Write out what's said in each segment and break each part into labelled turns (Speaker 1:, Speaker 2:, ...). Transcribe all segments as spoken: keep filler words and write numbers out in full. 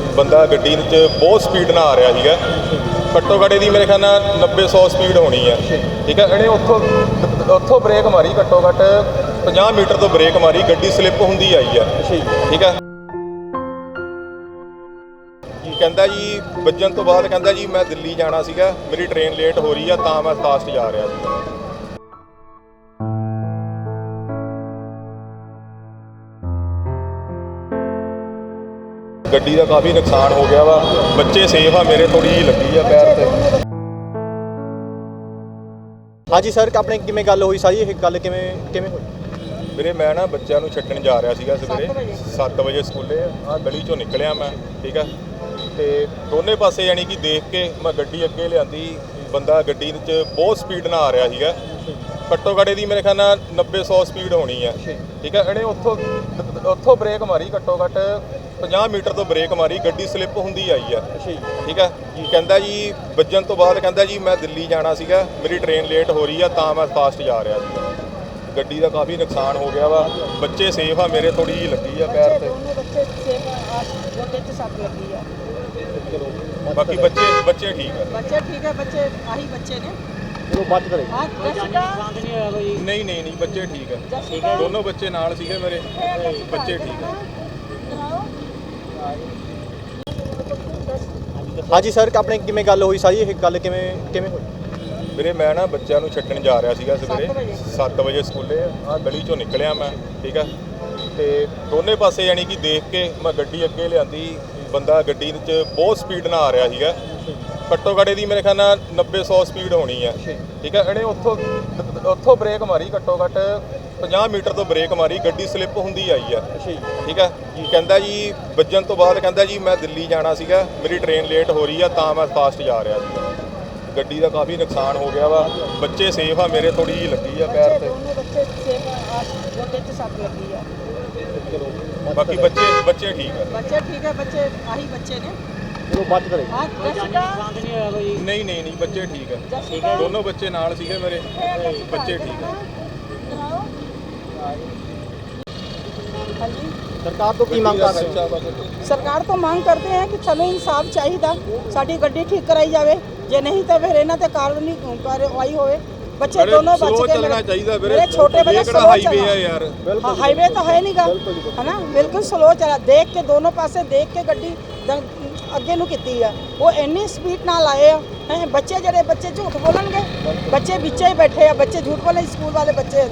Speaker 1: ਬੰਦਾ ਗੱਡੀ 'ਚ ਬਹੁਤ ਸਪੀਡ ਨਾਲ ਆ ਰਿਹਾ ਸੀਗਾ। ਘੱਟੋ ਘੱਟ ਇਹਦੀ ਮੇਰੇ ਖਿਆਲ ਨਾਲ ਨੱਬੇ ਸੌ ਸਪੀਡ ਹੋਣੀ ਹੈ। ਠੀਕ ਹੈ, ਇਹਨੇ ਉੱਥੋਂ ਉੱਥੋਂ ਬ੍ਰੇਕ ਮਾਰੀ, ਘੱਟੋ ਘੱਟ ਪੰਜਾਹ ਮੀਟਰ ਤੋਂ ਬ੍ਰੇਕ ਮਾਰੀ, ਗੱਡੀ ਸਲਿੱਪ ਹੁੰਦੀ ਆਈ ਹੈ। ਠੀਕ ਹੈ, ਕਹਿੰਦਾ ਜੀ ਵੱਜਣ ਤੋਂ ਬਾਅਦ ਕਹਿੰਦਾ ਜੀ ਮੈਂ ਦਿੱਲੀ ਜਾਣਾ ਸੀਗਾ, ਮੇਰੀ ਟ੍ਰੇਨ ਲੇਟ ਹੋ ਰਹੀ ਆ, ਤਾਂ ਮੈਂ ਫਾਸਟ ਜਾ ਰਿਹਾ ਸੀ। ਗੱਡੀ ਦਾ ਕਾਫੀ ਨੁਕਸਾਨ ਹੋ ਗਿਆ ਵਾ, ਬੱਚੇ ਸੇਫ ਆ, ਮੇਰੇ ਥੋੜੀ ਜਿਹੀ ਲੱਗੀ ਆ ਪੈਰ ਤੇ।
Speaker 2: ਹਾਂਜੀ ਸਰ, ਆਪਣੇ ਕਿਵੇਂ ਗੱਲ ਹੋਈ ਸਾਰੀ, ਇਹ ਗੱਲ ਕਿਵੇਂ ਕਿਵੇਂ ਹੋਈ?
Speaker 1: ਵੀਰੇ ਮੈਂ ਨਾ ਬੱਚਿਆਂ ਨੂੰ ਛੱਡਣ ਜਾ ਰਿਹਾ ਸੀਗਾ ਸਵੇਰੇ ਸੱਤ ਵਜੇ ਸਕੂਲੇ, ਆਹ ਗਲੀ ਚੋਂ ਨਿਕਲਿਆ ਮੈਂ। ਠੀਕ ਆ, ਤੇ ਦੋਨੇ ਪਾਸੇ ਯਾਨੀ ਕਿ ਦੇਖ ਕੇ ਮੈਂ ਗੱਡੀ ਅੱਗੇ ਲਿਆਂਦੀ, ਬੰਦਾ ਗੱਡੀ 'ਚ ਬਹੁਤ ਸਪੀਡ ਨਾਲ ਆ ਰਿਹਾ ਸੀਗਾ। ਘੱਟੋ ਘੱਟ ਇਹਦੀ ਮੇਰੇ ਖਿਆਲ ਨਾਲ ਨੱਬੇ ਸੌ ਸਪੀਡ ਹੋਣੀ ਹੈ। ਠੀਕ ਹੈ, ਇਹਨੇ ਉੱਥੋਂ ਉੱਥੋਂ ਬ੍ਰੇਕ ਮਾਰੀ, ਘੱਟੋ ਘੱਟ ਪੰਜਾਹ ਮੀਟਰ ਤੋਂ ਬ੍ਰੇਕ ਮਾਰੀ, ਗੱਡੀ ਸਲਿੱਪ ਹੁੰਦੀ ਆਈ ਹੈ। ਠੀਕ ਹੈ, ਕਹਿੰਦਾ ਜੀ ਵੱਜਣ ਤੋਂ ਬਾਅਦ ਕਹਿੰਦਾ ਜੀ ਮੈਂ ਦਿੱਲੀ ਜਾਣਾ ਸੀਗਾ, ਮੇਰੀ ਟ੍ਰੇਨ ਲੇਟ ਹੋ ਰਹੀ ਆ, ਤਾਂ ਮੈਂ ਫਾਸਟ ਜਾ ਰਿਹਾ ਸੀ। ਗੱਡੀ ਦਾ ਕਾਫੀ ਨੁਕਸਾਨ ਹੋ ਗਿਆ ਵਾ, ਬੱਚੇ ਸੇਫ ਆ, ਮੇਰੇ ਥੋੜੀ ਜਿਹੀ ਲੱਗੀ ਆ ਪੈਰ ਤੇ। ਬਾਕੀ ਬੱਚੇ ਬੱਚੇ ਠੀਕ ਆ,
Speaker 3: ਬੱਚੇ ਠੀਕ ਹੈ, ਬੱਚੇ ਆਹੀ ਬੱਚੇ ਨੇ
Speaker 2: ਚਲੋ ਬਾਤ ਕਰੇ।
Speaker 1: ਨਹੀਂ ਨਹੀਂ ਨਹੀਂ ਬੱਚੇ ਠੀਕ ਆ, ਦੋਨੋਂ ਬੱਚੇ ਨਾਲ ਸੀਗੇ ਮੇਰੇ, ਬੱਚੇ ਠੀਕ ਆ।
Speaker 2: ਹਾਂਜੀ ਸਰ, ਆਪਣੇ ਕਿਵੇਂ ਗੱਲ ਹੋਈ ਸਾਰੀ, ਇਹ ਗੱਲ ਕਿਵੇਂ ਕਿਵੇਂ ਹੋਈ?
Speaker 1: ਵੀਰੇ ਮੈਂ ਨਾ ਬੱਚਿਆਂ ਨੂੰ ਛੱਡਣ ਜਾ ਰਿਹਾ ਸੀਗਾ ਸਵੇਰੇ ਸੱਤ ਵਜੇ ਸਕੂਲੇ, ਆਹ ਗਲੀ ਚੋਂ ਨਿਕਲਿਆ ਮੈਂ। ਠੀਕ ਆ, ਤੇ ਦੋਨੇ ਪਾਸੇ ਯਾਨੀ ਕਿ ਦੇਖ ਕੇ ਮੈਂ ਗੱਡੀ ਅੱਗੇ ਲਿਆਂਦੀ, ਬੰਦਾ ਗੱਡੀ 'ਚ ਬਹੁਤ ਸਪੀਡ ਨਾਲ ਆ ਰਿਹਾ ਸੀਗਾ। ਘੱਟੋ ਘੱਟ ਇਹਦੀ ਮੇਰੇ ਖਿਆਲ ਨਾਲ ਨੱਬੇ ਸੌ ਸਪੀਡ ਹੋਣੀ ਹੈ। ਠੀਕ ਹੈ, ਇਹਨੇ ਉੱਥੋਂ ਉੱਥੋਂ ਬ੍ਰੇਕ ਮਾਰੀ, ਘੱਟੋ ਘੱਟ ਪੰਜਾਹ ਮੀਟਰ ਤੋਂ ਬ੍ਰੇਕ ਮਾਰੀ, ਗੱਡੀ ਸਲਿੱਪ ਹੁੰਦੀ ਆਈ ਹੈ। ਠੀਕ ਹੈ, ਕਹਿੰਦਾ ਜੀ ਵੱਜਣ ਤੋਂ ਬਾਅਦ ਕਹਿੰਦਾ ਜੀ ਮੈਂ ਦਿੱਲੀ ਜਾਣਾ ਸੀਗਾ, ਮੇਰੀ ਟ੍ਰੇਨ ਲੇਟ ਹੋ ਰਹੀ ਆ, ਤਾਂ ਮੈਂ ਫਾਸਟ ਜਾ ਰਿਹਾ ਸੀ। ਗੱਡੀ ਦਾ ਕਾਫੀ ਨੁਕਸਾਨ ਹੋ ਗਿਆ ਵਾ, ਬੱਚੇ ਸੇਫ ਆ, ਮੇਰੇ ਥੋੜੀ ਜਿਹੀ ਲੱਗੀ ਆ ਪੈਰ ਤੇ। ਬਾਕੀ ਬੱਚੇ ਬੱਚੇ ਠੀਕ ਆ,
Speaker 3: ਬੱਚੇ ਠੀਕ ਹੈ, ਬੱਚੇ ਆਹੀ ਬੱਚੇ ਨੇ
Speaker 2: ਚਲੋ ਬਾਤ ਕਰੇ।
Speaker 1: ਨਹੀਂ ਨਹੀਂ ਨਹੀਂ ਬੱਚੇ ਠੀਕ ਆ, ਦੋਨੋਂ ਬੱਚੇ ਨਾਲ ਸੀਗੇ ਮੇਰੇ, ਬੱਚੇ ਠੀਕ ਆ।
Speaker 2: ਸਰਕਾਰ ਤੋਂ ਕੀ ਮੰਗ ਕਰ ਰਹੇ ਹੋ?
Speaker 3: ਸਰਕਾਰ ਤੋਂ ਮੰਗ ਕਰਦੇ हैं कि ਸਾਨੂੰ ਇਨਸਾਫ ਚਾਹੀਦਾ, ਸਾਡੀ ਗੱਡੀ ਠੀਕ ਕਰਾਈ ਜਾਵੇ, ਜੇ ਨਹੀਂ ਤਾਂ ਫਿਰ ਇਹਨਾਂ ਤੇ ਕਾਨੂੰਨੀ ਕਾਰਵਾਈ ਹੋਵੇ। ਬੱਚੇ ਦੋਨੋਂ ਬਚ ਕੇ
Speaker 1: ਚੱਲਣਾ ਚਾਹੀਦਾ ਵੀਰੇ,
Speaker 3: ਮੇਰੇ ਛੋਟੇ ਬੱਚੇ
Speaker 1: ਕਿਹੜਾ ਹਾਈਵੇ ਆ ਯਾਰ,
Speaker 3: ਹਾਂ ਹਾਈਵੇ ਤਾਂ ਹੈ ਨਹੀਂਗਾ, ਹੈ ਨਾ, ਬਿਲਕੁਲ ਸਲੋ ਚਲਾ, ਦੇਖ ਕੇ ਦੋਨੋਂ ਪਾਸੇ ਦੇਖ ਕੇ ਗੱਡੀ ਅੱਗੇ ਨੂੰ ਕੀਤੀ ਆ। ਉਹ ਇੰਨੀ ਸਪੀਡ ਨਾਲ ਆਏ ਆ, ਹੈ ਬੱਚੇ ਜਿਹੜੇ ਬੱਚੇ ਝੂਠ ਬੋਲਣਗੇ, ਬੱਚੇ ਵਿੱਚੇ ਹੀ ਬੈਠੇ ਆ, ਬੱਚੇ ਝੂਠ ਬੋਲੇ, ਸਕੂਲ ਵਾਲੇ ਬੱਚੇ।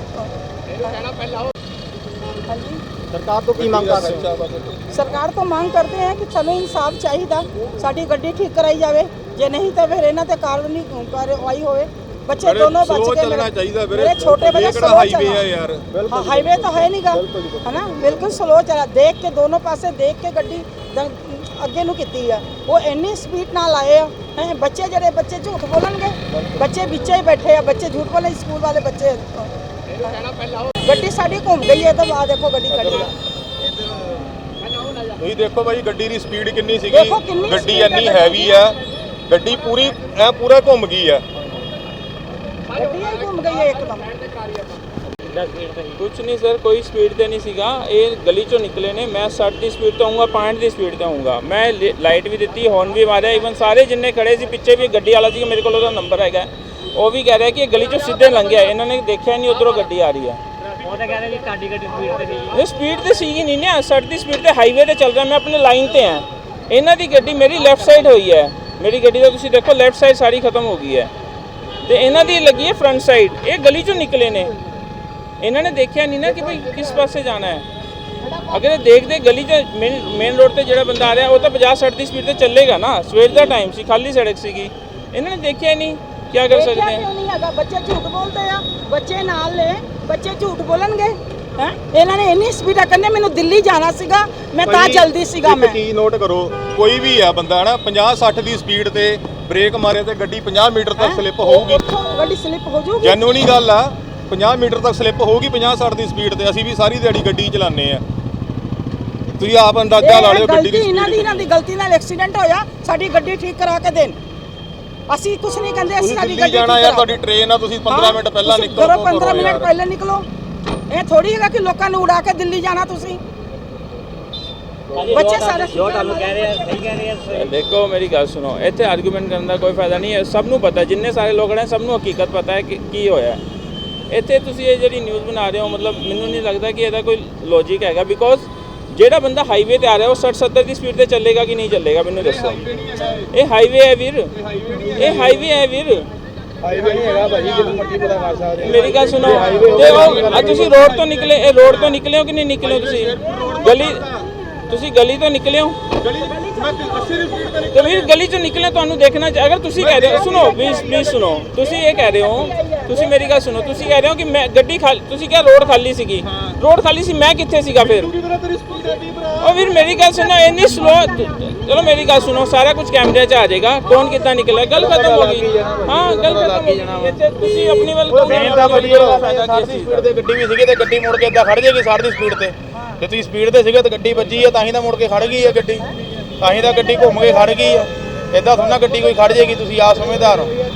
Speaker 3: ਹਾਂਜੀ,
Speaker 2: ਸਰਕਾਰ ਤੋਂ ਕੀ ਮੰਗ ਕਰ ਰਹੇ ਹੋ?
Speaker 3: ਸਰਕਾਰ ਤੋਂ ਮੰਗ ਕਰਦੇ हैं कि ਸਾਨੂੰ ਇਨਸਾਫ ਚਾਹੀਦਾ, ਸਾਡੀ ਗੱਡੀ ਠੀਕ ਕਰਾਈ ਜਾਵੇ, ਜੇ ਨਹੀਂ ਤਾਂ ਫਿਰ ਇਹਨਾਂ ਤੇ ਕਾਨੂੰਨੀ ਕਾਰਵਾਈ ਹੋਵੇ। ਬੱਚੇ ਦੋਨੋਂ ਬਚ ਕੇ
Speaker 1: ਚੱਲਣਾ ਚਾਹੀਦਾ ਵੀਰੇ,
Speaker 3: ਮੇਰੇ ਛੋਟੇ ਬੱਚੇ
Speaker 1: ਕਿਹੜਾ ਹਾਈਵੇ ਆ ਯਾਰ,
Speaker 3: ਹਾਂ ਹਾਈਵੇ ਤਾਂ ਹੈ ਨਹੀਂਗਾ, ਹੈ ਨਾ, ਬਿਲਕੁਲ ਸਲੋ ਚਲਾ, ਦੇਖ ਕੇ ਦੋਨੋਂ ਪਾਸੇ ਦੇਖ ਕੇ ਗੱਡੀ ਅੱਗੇ ਨੂੰ ਕੀਤੀ ਆ। ਉਹ ਇੰਨੀ ਸਪੀਡ ਨਾਲ ਆਏ ਆ, ਹੈ ਬੱਚੇ ਜਿਹੜੇ ਬੱਚੇ ਝੂਠ ਬੋਲਣਗੇ, ਬੱਚੇ ਵਿੱਚੇ ਹੀ ਬੈਠੇ ਆ, ਬੱਚੇ ਝੂਠ ਬੋਲੇ, ਸਕੂਲ ਵਾਲੇ ਬੱਚੇ। ਗੱਡੀ ਸਾਡੀ ਘੁੰਮ ਗਈ ਹੈ, ਤਾਂ ਆ ਦੇਖੋ ਗੱਡੀ ਖੜੀ ਆ।
Speaker 1: ਤੁਸੀਂ ਦੇਖੋ ਭਾਈ ਗੱਡੀ ਦੀ ਸਪੀਡ ਕਿੰਨੀ ਸੀਗੀ, ਗੱਡੀ ਇੰਨੀ ਹੈਵੀ ਆ, ਗੱਡੀ ਪੂਰੀ ਐ ਪੂਰਾ ਘੁੰਮ ਗਈ ਆ,
Speaker 3: ਗੱਡੀ ਹੀ ਘੁੰਮ ਗਈ ਹੈ ਇੱਕਦਮ।
Speaker 4: ਕੁਛ ਨਹੀਂ ਸਰ, ਕੋਈ ਸਪੀਡ ਤੇ ਨਹੀਂ ਸੀਗਾ, ਇਹ ਗਲੀ ਚੋਂ ਨਿਕਲੇ ਨੇ, ਮੈਂ ਸੱਠ ਦੀ ਸਪੀਡ ਤੇ ਆਊਂਗਾ, ਪੈਂਹਠ ਦੀ ਸਪੀਡ ਤੇ ਆਊਂਗਾ, ਮੈਂ ਲਾਈਟ ਵੀ ਦਿੱਤੀ, ਹੌਰਨ ਵੀ ਮਾਰਿਆ, ਈਵਨ ਸਾਰੇ ਜਿੰਨੇ ਖੜੇ ਸੀ ਪਿੱਛੇ ਵੀ ਗੱਡੀ ਵਾਲਾ ਸੀ, ਮੇਰੇ ਕੋਲ ਉਹਦਾ ਨੰਬਰ ਹੈਗਾ, ਉਹ ਵੀ ਕਹਿ ਰਿਹਾ ਕਿ ਇਹ ਗਲੀ ਚੋਂ ਸਿੱਧੇ ਲੰਘਿਆ, ਇਹਨਾਂ ਨੇ ਦੇਖਿਆ ਨਹੀਂ ਉੱਧਰੋਂ ਗੱਡੀ ਆ ਰਹੀ ਹੈ।
Speaker 5: ਉਹ ਤਾਂ ਕਹਿੰਦੇ ਵੀ ਤੁਹਾਡੀ ਗੱਡੀ ਸਪੀਡ ਤੇ ਸੀ,
Speaker 4: ਇਹ ਸਪੀਡ ਤੇ ਸੀਗੀ ਨਹੀਂ ਨਾ, ਸੱਠ ਦੀ ਸਪੀਡ ਤੇ ਹਾਈਵੇ ਤੇ ਚੱਲ ਰਿਹਾ, ਮੈਂ ਆਪਣੇ ਲਾਈਨ ਤੇ ਹਾਂ, ਇਹਨਾਂ ਦੀ ਗੱਡੀ ਮੇਰੀ ਲੈਫਟ ਸਾਈਡ ਹੋਈ ਹੈ, ਮੇਰੀ ਗੱਡੀ ਦਾ ਤੁਸੀਂ ਦੇਖੋ ਲੈਫਟ ਸਾਈਡ ਸਾਰੀ ਖਤਮ ਹੋ ਗਈ ਹੈ, ਤੇ ਇਹਨਾਂ ਦੀ ਲੱਗੀ ਹੈ ਫਰੰਟ ਸਾਈਡ। ਇਹ ਗਲੀ ਚੋਂ ਨਿਕਲੇ ਨੇ, ਇਹਨਾਂ ਨੇ ਦੇਖਿਆ ਨਹੀਂ ਨਾ ਕਿ ਭਾਈ ਕਿਸ ਪਾਸੇ ਜਾਣਾ ਹੈ। ਅਗਰ ਇਹ ਦੇਖਦੇ ਗਲੀ 'ਚ ਮੇਨ ਮੇਨ ਰੋਡ ਤੇ ਜਿਹੜਾ ਬੰਦਾ ਆ ਰਿਹਾ ਉਹ ਤਾਂ ਪੰਜਾਹ ਸੱਠ ਦੀ ਸਪੀਡ ਤੇ ਚੱਲੇਗਾ ਨਾ, ਸਵੇਰ ਦਾ ਟਾਈਮ ਸੀ, ਖਾਲੀ ਸੜਕ ਸੀਗੀ, ਇਹਨਾਂ ਨੇ ਦੇਖਿਆ ਨਹੀਂ, ਕੀ ਕਰ ਸਕਦੇ
Speaker 3: ਆ? ਕਿਉਂ ਨਹੀਂ ਹੈਗਾ, ਬੱਚੇ ਝੂਠ ਬੋਲਦੇ ਆ, ਬੱਚੇ ਨਾਲ ਨੇ, ਬੱਚੇ ਝੂਠ ਬੋਲਣਗੇ, ਹੈ ਇਹਨਾਂ ਨੇ ਇੰਨੀ ਸਪੀਡ ਆ, ਕਹਿੰਦੇ ਮੈਨੂੰ ਦਿੱਲੀ ਜਾਣਾ ਸੀਗਾ, ਮੈਂ ਤਾਂ ਜਲਦੀ ਸੀਗਾ। ਮੈਂ
Speaker 1: ਚੀਜ਼ ਨੋਟ ਕਰੋ, ਕੋਈ ਵੀ ਆ ਬੰਦਾ ਨਾ ਪੰਜਾਹ ਸੱਠ ਦੀ ਸਪੀਡ ਤੇ ਬ੍ਰੇਕ ਮਾਰੇ ਤੇ ਗੱਡੀ ਪੰਜਾਹ ਮੀਟਰ ਤੱਕ ਸਲਿੱਪ ਹੋਊਗੀ,
Speaker 3: ਗੱਡੀ ਸਲਿੱਪ ਹੋ ਜਾਊਗੀ,
Speaker 1: ਜੈਨੂਇਨ ਗੱਲ ਆ, ਪੰਜਾਹ ਮੀਟਰ ਤੱਕ ਸਲਿੱਪ ਹੋਊਗੀ ਪੰਜਾਹ ਸੱਠ ਦੀ ਸਪੀਡ ਤੇ। ਅਸੀਂ ਵੀ ਸਾਰੀ ਦਿਹਾੜੀ ਗੱਡੀ ਚਲਾਉਂਦੇ ਆ, ਤੁਸੀਂ ਆਪ ਅੰਦਾਜ਼ਾ ਲਾ ਲਿਓ ਗੱਡੀ ਦੀ
Speaker 3: ਇਹਨਾਂ ਦੀ ਇਹਨਾਂ ਦੀ ਗਲਤੀ ਨਾਲ ਐਕਸੀਡੈਂਟ ਹੋਇਆ, ਸਾਡੀ ਗੱਡੀ ਠੀਕ ਕਰਾ ਕੇ ਦੇਣ, ਅਸੀਂ ਕੁਝ ਨਹੀਂ ਕਹਿੰਦੇ, ਅਸੀਂ ਸਾਡੀ ਗੱਡੀ
Speaker 1: ਜਾਣਾ ਯਾਰ, ਤੁਹਾਡੀ ਟ੍ਰੇਨ ਆ, ਤੁਸੀਂ ਪੰਦਰਾਂ ਮਿੰਟ ਪਹਿਲਾਂ ਨਿਕਲੋ,
Speaker 3: ਘਰੋਂ ਪੰਦਰਾਂ ਮਿੰਟ ਪਹਿਲਾਂ ਨਿਕਲੋ। ਇਹ ਥੋੜੀ ਹੈਗਾ ਕਿ ਲੋਕਾਂ ਨੂੰ ਉਡਾ ਕੇ ਦਿੱਲੀ ਜਾਣਾ ਤੁਸੀਂ। ਬੱਚੇ ਸਾਰੇ
Speaker 5: ਜੋ ਤੁਹਾਨੂੰ ਕਹਿ ਰਹੇ ਆ ਸਹੀ ਕਹਿ ਰਹੇ ਆ
Speaker 4: ਦੇਖੋ ਮੇਰੀ ਗੱਲ ਸੁਣੋ, ਇੱਥੇ ਆਰਗੂਮੈਂਟ ਕਰਨ ਦਾ ਕੋਈ ਫਾਇਦਾ ਨਹੀਂ ਹੈ। ਸਭ ਨੂੰ ਪਤਾ, ਜਿੰਨੇ ਸਾਰੇ ਲੋਕ ਨੇ ਸਭ ਨੂੰ ਹਕੀਕਤ ਪਤਾ ਹੈ ਕਿ ਕੀ ਹੋਇਆ ਹੈ। ਇੱਥੇ ਤੁਸੀਂ ਇਹ ਜਿਹੜੀ ਨਿਊਜ਼ ਬਣਾ ਰਹੇ ਹੋ, ਮਤਲਬ ਮੈਨੂੰ ਨਹੀਂ ਲੱਗਦਾ ਕਿ ਇਹਦਾ ਕੋਈ ਲੌਜੀਕ ਹੈਗਾ। ਬਿਕੋਜ਼ ਜਿਹੜਾ ਬੰਦਾ ਹਾਈਵੇ ਤੇ ਆ ਰਿਹਾ ਉਹ ਸੱਠ ਸੱਤਰ ਦੀ ਸਪੀਡ ਤੇ ਚੱਲੇਗਾ ਕਿ ਨਹੀਂ ਚੱਲੇਗਾ, ਮੈਨੂੰ ਦੱਸੋ। ਇਹ ਹਾਈਵੇ ਹੈ ਵੀਰ, ਇਹ ਹਾਈਵੇ ਹੈ ਵੀਰ,
Speaker 2: ਹਾਈਵੇ ਨਹੀਂ ਹੈਗਾ ਭਾਜੀ, ਜਦੋਂ ਮਰਜ਼ੀ ਪਤਾ ਕਰ ਸਕਦੇ
Speaker 4: ਮੇਰੀ ਗੱਲ ਸੁਣੋ। ਤੇ ਉਹ ਆ ਤੁਸੀਂ ਰੋਡ ਤੋਂ ਨਿਕਲੇ, ਇਹ ਰੋਡ ਤੋਂ ਨਿਕਲੇ ਹੋ ਕਿ ਨਹੀਂ ਨਿਕਲੇ ਹੋ? ਤੁਸੀਂ ਗਲੀ ਤੁਸੀਂ ਗਲੀ ਤੋਂ ਨਿਕਲੇ ਹੋ ਤੇ ਵੀਰ ਗਲੀ ਚੋਂ ਨਿਕਲੇ, ਤੁਹਾਨੂੰ ਦੇਖਣਾ ਚਾ- ਅਗਰ ਤੁਸੀਂ ਕਹਿ ਰਹੇ ਹੋ, ਸੁਣੋ ਪਲੀਜ਼ ਪਲੀਜ਼ ਸੁਣੋ, ਤੁਸੀਂ ਇਹ ਕਹਿ ਰਹੇ ਹੋ, ਤੁਸੀਂ ਮੇਰੀ ਗੱਲ ਸੁਣੋ, ਤੁਸੀਂ ਕਹਿ ਰਹੇ ਹੋ ਕਿ ਮੈਂ ਗੱਡੀ ਖਾਲੀ, ਤੁਸੀਂ ਕਿਹਾ ਰੋਡ ਖਾਲੀ ਸੀਗੀ, ਰੋਡ ਖਾਲੀ ਸੀ, ਮੈਂ ਕਿੱਥੇ ਸੀਗਾ ਫਿਰ? ਉਹ ਵੀਰ ਮੇਰੀ ਗੱਲ ਸੁਣੋ, ਇੰਨੀ ਸਲੋ, ਚਲੋ ਮੇਰੀ ਗੱਲ ਸੁਣੋ, ਸਾਰਾ ਕੁਝ ਕੈਮਰੇ 'ਚ ਆ ਜਾਏਗਾ, ਕੌਣ ਕਿੱਦਾਂ ਨਿਕਲਿਆ, ਗੱਲ ਖਤਮ ਹੋ ਗਈ। ਹਾਂ ਗੱਲ ਖਤਮ ਹੋ ਗਈ। ਇੱਥੇ ਤੁਸੀਂ ਆਪਣੀ ਵੱਲ
Speaker 6: ਮੇਨ ਤਾਂ ਭਾਜੀ ਸਾਠ ਦੀ ਸਪੀਡ ਤੇ ਗੱਡੀ ਵੀ ਸੀਗੀ ਤੇ ਗੱਡੀ ਮੁੜ ਕੇ ਇੱਦਾਂ ਖੜ ਜਾਏਗੀ ਸਾਠ ਦੀ ਸਪੀਡ ਤੇ। ਜੇ ਤੁਸੀਂ ਸਪੀਡ ਤੇ ਸੀਗੇ ਤੇ ਗੱਡੀ ਵੱਜੀ ਆ ਤਾਂ ਹੀ ਤਾਂ ਮੁੜ ਕੇ ਖੜ ਗਈ ਆ ਗੱਡੀ, ਤਾਂ ਹੀ ਤਾਂ ਗੱਡੀ ਘੁੰਮ ਕੇ ਖੜ ਗਈ ਆ। ਇੱਦਾਂ ਥੋੜਾ ਗੱਡੀ ਕੋਈ ਖੜ ਜਾਏਗੀ, ਤੁਸੀਂ ਆਪ ਸਮਝਦਾਰ ਹੋ।